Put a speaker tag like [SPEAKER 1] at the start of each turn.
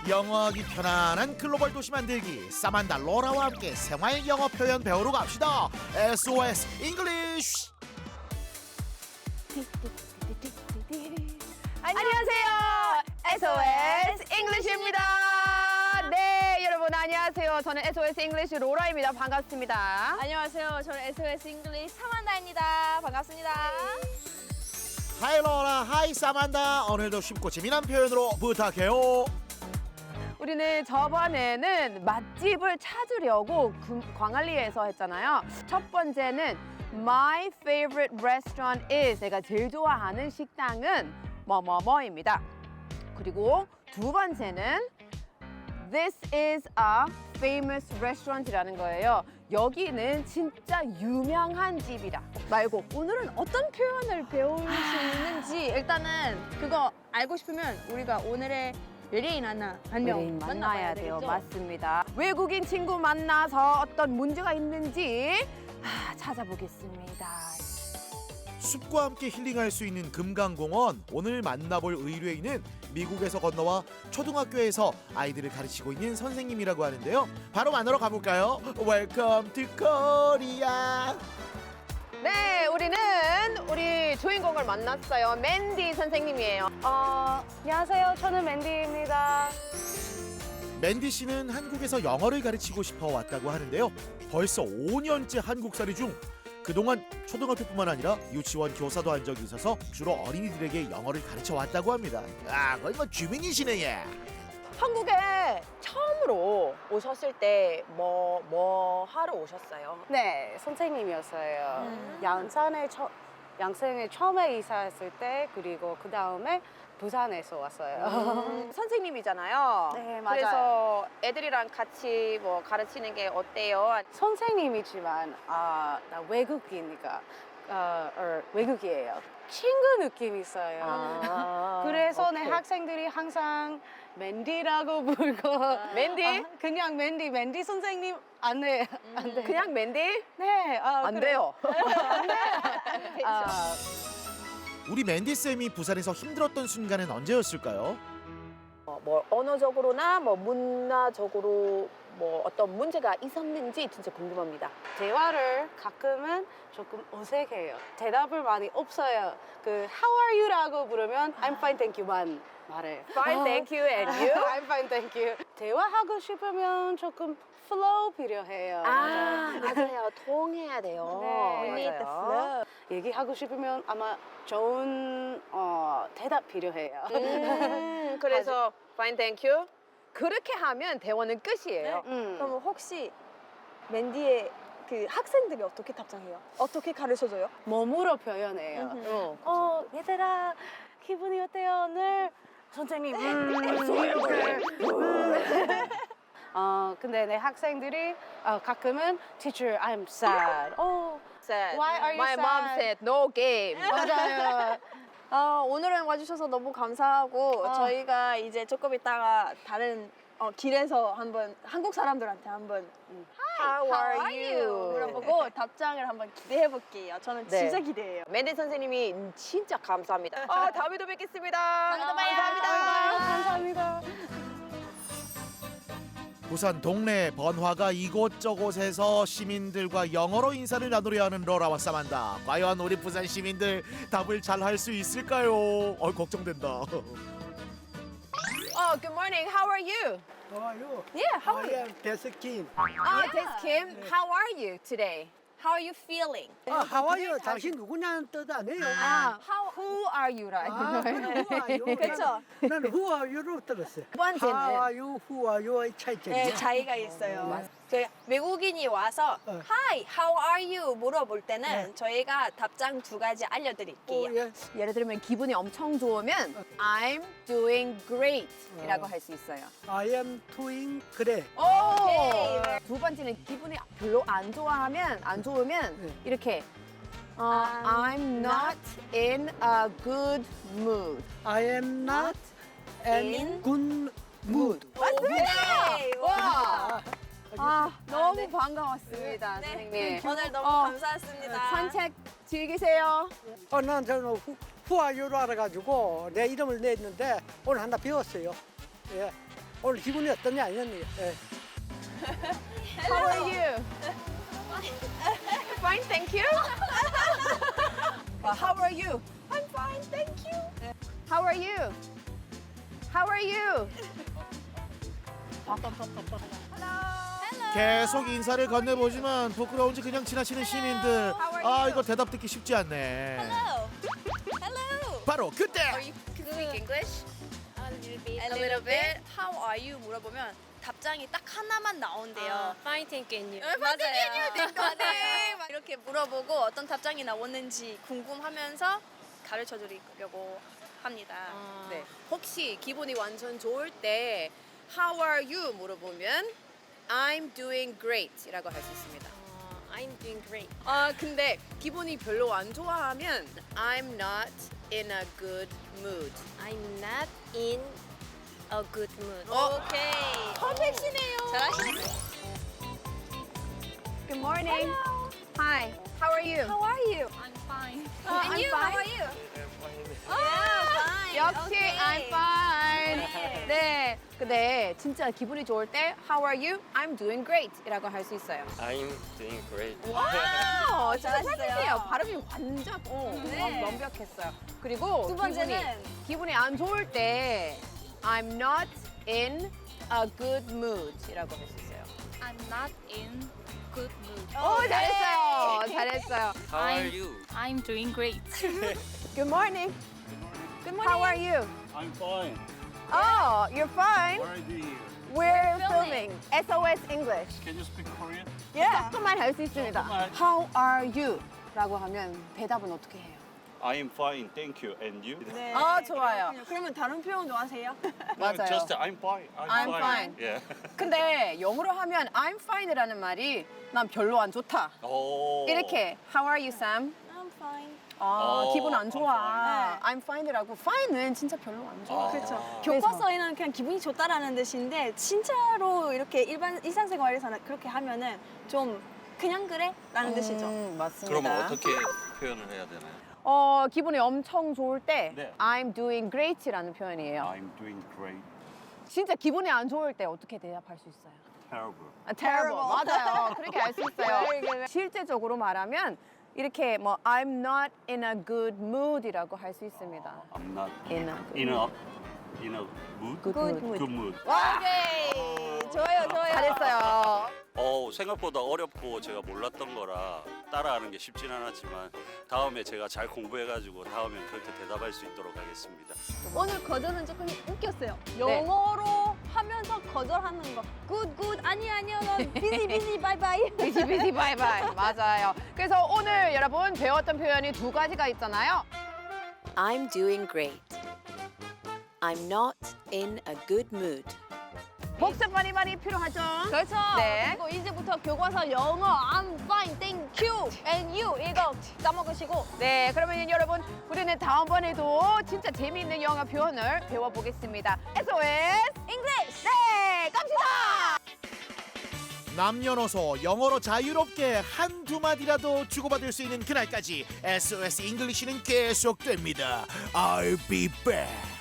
[SPEAKER 1] 영어하기 편안한 글로벌 도시 만들기 사만다 로라와 함께 생활 영어 표현 배우러 갑시다. SOS 잉글리쉬.
[SPEAKER 2] 안녕하세요. SOS 잉글리시입니다. 네, 여러분 안녕하세요. 저는 SOS 잉글리시 로라입니다. 반갑습니다.
[SPEAKER 3] 안녕하세요. 저는 SOS 잉글리시 사만다입니다. 반갑습니다.
[SPEAKER 1] 하이 로라, 하이 사만다. 오늘도 쉽고 재미난 표현으로 부탁해요.
[SPEAKER 2] 우리는 저번에는 맛집을 찾으려고 광안리에서 했잖아요. 첫 번째는 My favorite restaurant is, 내가 제일 좋아하는 식당은 뭐뭐뭐입니다. 그리고 두 번째는 This is a famous restaurant이라는 거예요. 여기는 진짜 유명한 집이다 말고
[SPEAKER 3] 오늘은 어떤 표현을 배울 수 있는지 일단은 그거 알고 싶으면 우리가 오늘의 외래인 하나 한 명
[SPEAKER 2] 우린 만나야 돼요.
[SPEAKER 3] 되겠죠?
[SPEAKER 2] 맞습니다. 외국인 친구 만나서 어떤 문제가 있는지 찾아보겠습니다.
[SPEAKER 1] 숲과 함께 힐링할 수 있는 금강공원. 오늘 만나볼 의뢰인은 미국에서 건너와 초등학교에서 아이들을 가르치고 있는 선생님이라고 하는데요. 바로 만나러 가볼까요? Welcome to Korea.
[SPEAKER 2] 네, 우리는 우리 주인공을 만났어요. 맨디 선생님이에요.
[SPEAKER 3] 안녕하세요. 저는 맨디입니다.
[SPEAKER 1] 맨디 씨는 한국에서 영어를 가르치고 싶어 왔다고 하는데요. 벌써 5년째 한국살이 중 그동안 초등학교뿐만 아니라 유치원 교사도 한 적이 있어서 주로 어린이들에게 영어를 가르쳐 왔다고 합니다. 아, 거의 뭐 주민이시네 얘.
[SPEAKER 2] 한국에 처음으로 오셨을 때 뭐 하러 오셨어요?
[SPEAKER 4] 네, 선생님이었어요. 양산에 처음에 이사했을 때, 그리고 그 다음에 부산에서 왔어요.
[SPEAKER 2] 선생님이잖아요.
[SPEAKER 4] 네, 맞아요.
[SPEAKER 2] 그래서 애들이랑 같이 뭐 가르치는 게 어때요?
[SPEAKER 4] 선생님이지만 나 외국이니까 외국이에요. 친구 느낌이 있어요. 그래서 내 학생들이 항상 맨디라고 부르고
[SPEAKER 2] 맨디?
[SPEAKER 4] 그냥 맨디 선생님 안 돼. 안 돼.
[SPEAKER 2] 그냥 맨디?
[SPEAKER 4] 네,
[SPEAKER 2] 안
[SPEAKER 4] 그래.
[SPEAKER 2] 돼요.
[SPEAKER 1] 우리 맨디 쌤이 부산에서 힘들었던 순간은 언제였을까요?
[SPEAKER 2] 뭐 언어적으로나 뭐 문화적으로 뭐 어떤 문제가 있었는지 진짜 궁금합니다.
[SPEAKER 4] 대화를 가끔은 조금 어색해요. 대답을 많이 없어요. 그 How are you라고 부르면 I'm fine, thank you만 말해요.
[SPEAKER 2] Fine, thank you, and you?
[SPEAKER 4] I'm fine, thank you. 대화하고 싶으면 조금 flow 필요해요.
[SPEAKER 2] 맞아요. 통해야 돼요.
[SPEAKER 4] 네.
[SPEAKER 2] We need the flow.
[SPEAKER 4] 얘기하고 싶으면 아마 좋은 대답 필요해요.
[SPEAKER 2] 그래서 fine, thank you. 그렇게 하면 대화는 끝이에요.
[SPEAKER 3] 그럼 혹시 맨디의 그 학생들이 어떻게 답장해요? 어떻게 가르쳐줘요?
[SPEAKER 4] 몸으로 표현해요. 얘들아 기분이 어때요 오늘? 선생님 근데 내 학생들이 가끔은 Teacher, I'm sad.
[SPEAKER 2] Said,
[SPEAKER 4] Why are you
[SPEAKER 2] My mom
[SPEAKER 4] sad?
[SPEAKER 2] said no game.
[SPEAKER 4] 맞아요.
[SPEAKER 3] 오늘은 와주셔서 너무 감사하고 저희가 이제 조금 있다가 다른 길에서 한번 한국 사람들한테 한번
[SPEAKER 2] How are you?
[SPEAKER 3] 물어보고 답장을 한번 기대해 볼게요. 저는
[SPEAKER 2] 네.
[SPEAKER 3] 진짜 기대해요.
[SPEAKER 2] 맨디 선생님이 진짜 감사합니다. 다음에 또 뵙겠습니다.
[SPEAKER 4] 감사합니다.
[SPEAKER 1] 부산 동네 번화가 이곳저곳에서 시민들과 영어로 인사를 나누려 하는 로라와 사만다. 과연 우리 부산 시민들 답을 잘 할 수 있을까요? 걱정된다.
[SPEAKER 2] Good morning. How are you?
[SPEAKER 5] How are you?
[SPEAKER 3] Yeah, how are
[SPEAKER 5] I
[SPEAKER 3] you?
[SPEAKER 5] am Tess Kim.
[SPEAKER 2] That's Kim. How are you today?
[SPEAKER 3] How are you feeling?
[SPEAKER 5] How are you? 당신 누구냐는 뜻 아니에요.
[SPEAKER 2] Who are you라.
[SPEAKER 5] who are you?
[SPEAKER 3] 그쵸?
[SPEAKER 5] 난 who are you로 들었어요.
[SPEAKER 2] 두 번째는
[SPEAKER 5] How are you? Who are you의 차이점이야.
[SPEAKER 3] 네, 차이가 있어요. 저희 외국인이 와서 Hi, how are you? 물어볼 때는 저희가 답장 두 가지 알려드릴게요.
[SPEAKER 5] 예.
[SPEAKER 2] 예를 들면 기분이 엄청 좋으면 I'm doing great 이라고 할 수 있어요.
[SPEAKER 5] I am doing 그래.
[SPEAKER 2] 두 번째는 기분이 별로 안 좋으면 이렇게 I'm not in a good mood.
[SPEAKER 5] I am not in good mood.
[SPEAKER 2] 네! 와! 너무 반가웠습니다,
[SPEAKER 3] 네.
[SPEAKER 2] 선생님.
[SPEAKER 3] 오늘 너무 감사했습니다.
[SPEAKER 2] 산책 즐기세요.
[SPEAKER 5] 난 저는 who are you로 알아가지고 내 이름을 냈는데 오늘 하나 배웠어요. 예. 오늘 기분이 어떠냐 이런 얘기. 예.
[SPEAKER 2] How are you? Fine, thank you. How are you? I'm fine, thank you. How are you? How are you?
[SPEAKER 1] 계속 인사를 건네보지만 부끄러운지 그냥 지나치는 시민들. 아 이거 대답 듣기 쉽지 않네.
[SPEAKER 6] Hello. Hello.
[SPEAKER 1] 바로 그때.
[SPEAKER 6] Are you can speak English? A little bit. How are you? 물어보면 답장이 딱 하나만 나온대요.
[SPEAKER 7] Fine, thank you.
[SPEAKER 6] 맞아요. 네. 이렇게 물어보고 어떤 답장이 나왔는지 궁금하면서 가르쳐 드리려고 합니다.
[SPEAKER 2] 네. 혹시 기분이 완전 좋을 때 How are you 물어보면 I'm doing great이라고 할 수 있습니다.
[SPEAKER 7] I'm doing great.
[SPEAKER 2] 근데 기분이 별로 안 좋아하면 I'm not in a good mood.
[SPEAKER 7] I'm not in a good mood.
[SPEAKER 6] 오케이.
[SPEAKER 2] 퍼펙트네요.
[SPEAKER 6] 잘하시네요.
[SPEAKER 2] Good morning. Hi. How are you?
[SPEAKER 6] How are you? I'm fine. And
[SPEAKER 2] I'm
[SPEAKER 6] you?
[SPEAKER 2] fine.
[SPEAKER 6] How are you? fine.
[SPEAKER 2] 역시
[SPEAKER 6] Okay.
[SPEAKER 2] I'm fine.
[SPEAKER 6] 네.
[SPEAKER 2] 네. 근데 진짜 기분이 좋을 때 How are you? I'm doing great이라고 할 수 있어요.
[SPEAKER 8] I'm doing great.
[SPEAKER 2] 와우, 진짜
[SPEAKER 6] 잘하셨어요.
[SPEAKER 2] perfect예요. 발음이 완전
[SPEAKER 6] 네.
[SPEAKER 2] 완벽했어요. 그리고
[SPEAKER 6] 두 번째는
[SPEAKER 2] 기분이 안 좋을 때 I'm not in a good mood이라고 할 수 있어요.
[SPEAKER 7] I'm not in good mood.
[SPEAKER 2] 오, 잘했어요. 잘했어요.
[SPEAKER 8] How are you?
[SPEAKER 7] I'm doing great.
[SPEAKER 2] Good morning. Good morning. How are you?
[SPEAKER 9] I'm fine.
[SPEAKER 2] Oh, you're fine.
[SPEAKER 9] What are you doing here?
[SPEAKER 2] We're filming SOS English.
[SPEAKER 9] Can you speak Korean?
[SPEAKER 2] 조금만 할 수 있습니다.
[SPEAKER 9] 조금만.
[SPEAKER 2] How are you? 라고 하면 대답은 어떻게 해요?
[SPEAKER 9] I am fine, thank you. And you?
[SPEAKER 3] 네.
[SPEAKER 2] 좋아요.
[SPEAKER 3] 그러면 다른 표현도 하세요?
[SPEAKER 2] 맞아요.
[SPEAKER 9] Just I'm fine.
[SPEAKER 2] I'm fine.
[SPEAKER 9] Yeah.
[SPEAKER 2] 근데 영어로 하면 I'm fine이라는 말이 난 별로 안 좋다.
[SPEAKER 9] 오.
[SPEAKER 2] 이렇게 How are you, Sam?
[SPEAKER 3] I'm fine.
[SPEAKER 2] 기분 안
[SPEAKER 9] I'm
[SPEAKER 2] 좋아.
[SPEAKER 3] fine.
[SPEAKER 2] I'm fine이라고. fine은 진짜 별로 안 좋아.
[SPEAKER 3] 그렇죠.
[SPEAKER 2] 그래서.
[SPEAKER 3] 교과서에는 그냥 기분이 좋다라는 뜻인데 진짜로 이렇게 일상생활에서는 그렇게 하면은 좀 그냥 그래라는 뜻이죠.
[SPEAKER 2] 맞습니다.
[SPEAKER 8] 그러면 어떻게 표현을 해야 되나요?
[SPEAKER 2] 기분이 엄청 좋을 때
[SPEAKER 9] 네.
[SPEAKER 2] I'm doing great이라는 표현이에요.
[SPEAKER 9] I'm doing great.
[SPEAKER 2] 진짜 기분이 안 좋을 때 어떻게 대답할 수 있어요?
[SPEAKER 9] Terrible.
[SPEAKER 2] terrible. 맞아요. 그렇게 할 수 있어요.
[SPEAKER 3] Very good.
[SPEAKER 2] 실제적으로 말하면 이렇게 뭐 I'm not in a good mood이라고 할 수 있습니다.
[SPEAKER 9] I'm not
[SPEAKER 2] In a
[SPEAKER 9] in a mood.
[SPEAKER 2] good mood.
[SPEAKER 9] Good mood.
[SPEAKER 3] 오케이. 좋아요, 좋아요.
[SPEAKER 2] 잘했어요.
[SPEAKER 8] 생각보다 어렵고 제가 몰랐던 거라 따라하는 게 쉽진 않았지만 다음에 제가 잘 공부해가지고 다음엔 그렇게 대답할 수 있도록 하겠습니다.
[SPEAKER 3] 오늘 거절은 조금 웃겼어요.
[SPEAKER 2] 네.
[SPEAKER 3] 영어로 하면서 거절하는 거. 굿, 굿. 아니야, 너 비지, 비지, 바이바이.
[SPEAKER 2] 비지 바이바이. 맞아요. 그래서 오늘 여러분 배웠던 표현이 두 가지가 있잖아요.
[SPEAKER 10] I'm doing great. I'm not in a good mood.
[SPEAKER 2] 복습 많이 필요하죠?
[SPEAKER 3] 그렇죠.
[SPEAKER 2] 네.
[SPEAKER 3] 그리고 이제부터 교과서 영어 I'm fine, thank you, and you 이거 까먹으시고
[SPEAKER 2] 네, 그러면 여러분 우리는 다음번에도 진짜 재미있는 영어 표현을 배워보겠습니다. SOS English! 네, 갑시다!
[SPEAKER 1] 남녀노소 영어로 자유롭게 한두 마디라도 주고받을 수 있는 그날까지 SOS 잉글리시는 계속됩니다. I'll be back.